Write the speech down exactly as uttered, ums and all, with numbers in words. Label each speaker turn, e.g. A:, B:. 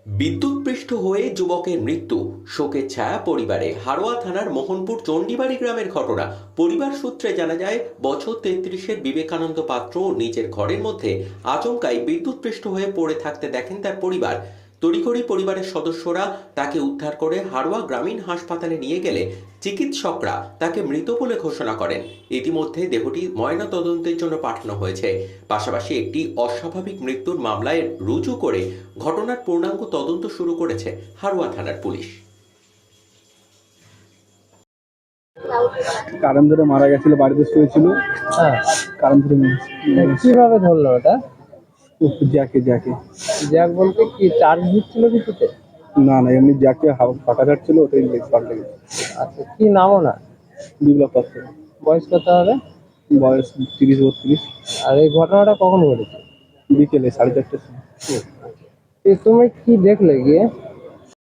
A: বিদ্যুৎপৃষ্ট হয়ে যুবকের মৃত্যু, শোকের ছায়া পরিবারে। হারোয়া থানার মোহনপুর চণ্ডীবাড়ি গ্রামের ঘটনা। পরিবার সূত্রে জানা যায়, বছর তেত্রিশের বিবেকানন্দ পাত্র নিজের ঘরের মধ্যে আচমকাই বিদ্যুৎপৃষ্ট হয়ে পড়ে থাকতে দেখেন তার পরিবার। তড়িঘড়ি পরিবারের সদস্যরা তাকে উদ্ধার করে হারোয়া গ্রামীণ হাসপাতালে নিয়ে গেলে চিকিৎসকরা তাকে মৃত বলে ঘোষণা করেন। ইতিমধ্যে দেহটি ময়না তদন্তের জন্য পাঠানো হয়েছে। পাশাপাশি একটি অস্বাভাবিক মৃত্যুর মামলায় রুজু করে ঘটনার পূর্ণাঙ্গ তদন্ত শুরু করেছে হারোয়া থানার পুলিশ।
B: কারেন্ট ধরে মারা গেছিল, বাড়িতে শুয়েছিল।
C: হ্যাঁ,
B: কারেন্ট ধরে মেরেছে।
C: কিভাবে ধরলো ওটা?
B: জ্যাকে জ্যাকে
C: জ্যাক বলতে কি চার্জ দিচ্ছিল কিছুতে?
B: না না, এমনি জ্যাকে ফাঁকা ছাড়ছিল, ওটাই পাল্টে গেছে।
C: আচ্ছা, কি নাম ওনার?
B: বিপ্লব পাত্র।
C: বয়স কত হবে?
B: বয়স তিরিশ বত্রিশ।
C: আর এই ঘটনাটা কখন ঘটেছে?
B: বিকেলে সাড়ে চারটের সময়।
C: এ তুমি কি দেখলে গিয়ে?